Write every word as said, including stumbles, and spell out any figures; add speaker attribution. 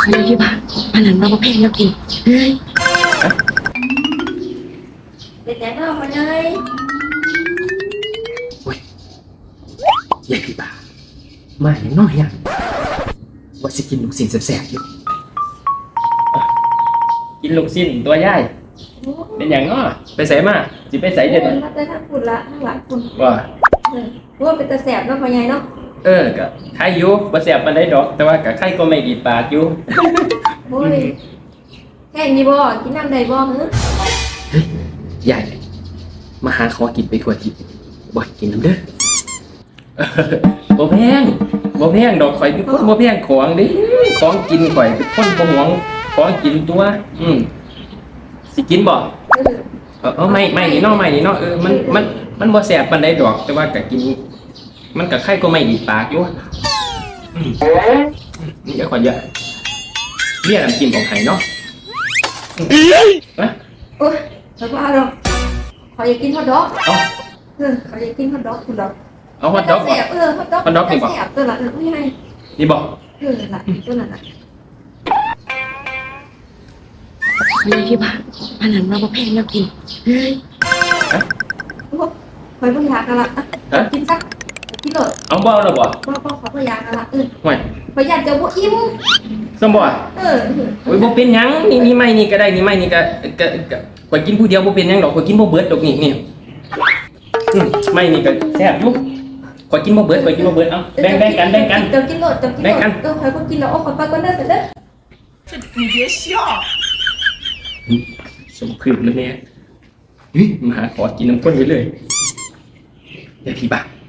Speaker 1: เลยพี่บ้านอันนั้นเราเพลงแล้วกินเฮ้ยเด็กแน่นอนมาเลย
Speaker 2: โอ้ยยายพี่บ้ามาอย่างน้อยอย่างว่าสิกินลูกชิ้นแสบๆอยู่กินลูกชิ้นตัวย่ายเป็นอย่างน้อไปใส่มาสิไปใส่เด็ด
Speaker 1: มาแต่ทั้งคุณละทั้งหลายคุณ
Speaker 2: ว่า
Speaker 1: ว่าเป็นตาแสบเนาะพ่อใหญ่เนาะ
Speaker 2: เออก็ไข่อยู่บ่แสบปานใดดอก แต่ว่าก็ไข่ก็ไม่ดีปากอยู่
Speaker 1: โอ้ยแค่นี้บ่กินน้ำใดบ่หือ
Speaker 2: เฮ้ยยายมาหาขอกินไปทั่วทิศบ่ให้กินน้ำเด้อบ่แพงบ่แพงดอกข่อยเป็นคนบ่แพงของเด้ของกินข่อยเป็นคนบ่หวงของกินตัวอืมสิกินบ่
Speaker 1: เออ
Speaker 2: เออเออไม่ไม่นี่เนาะไม่นี่เนาะเออมันมันมันบ่แสบปานใดดอก แต่ว่าก็กิน มันก็ไข่ก็ไม่ดีปากอยู่อืมเดี๋ยวขอเยอะเรียกน้ำจิ้มของไห้เนาะนะ
Speaker 1: โอ้ยแต่ว่าเราขออยากกินฮอทดอก
Speaker 2: เอา
Speaker 1: เออขออยากกินฮอทดอกคุณดอก
Speaker 2: เอาฮอทดอก
Speaker 1: แส
Speaker 2: ก่อน
Speaker 1: บเออฮอทดอก
Speaker 2: ฮอทดอกนี่บ่
Speaker 1: แสบตัวละเออไม่ให้
Speaker 2: นี่บอก
Speaker 1: เออละตัวนั้นละเลยพี่บ้านอันนั้นเราเพลงแล้วกินเฮ้ยโอ้คอยพยากันละกินซะกินเลย
Speaker 2: เอาบ่แล้วบ่
Speaker 1: พ่อพ่อขอพยากันละเออ
Speaker 2: ห่วย
Speaker 1: พยาจะบ่อิ่ม
Speaker 2: สมบ่
Speaker 1: เออ
Speaker 2: โอ้ยบ่เป็นหยังนี่นี่ไม่นี่ก็ได้นี่ไม่นี่ก็ก็ก็ข่อยกินผู้เดียวบ่เป็นหยังดอกข่อยกินบ่เบิดดอกนี่นี่อืมไม่นี่ก็แซ่บอยู่ข่อยกินบ่เบิดข่อยกินบ่เบิดเอ้าแบ่งแบ่งกันแบ่งกัน
Speaker 1: เดี๋ยวกินโหลดเดี๋ยวกินโหลดเออคอยก็กินแล้วโอ้ขอไปก่อนเด้อเด้อ
Speaker 3: 你别笑。
Speaker 2: สมพื้นแล้วเนี่ยเฮ้ยมาหาขอกินน้ำข้นไปเลยเดี๋ยวพี่บ้า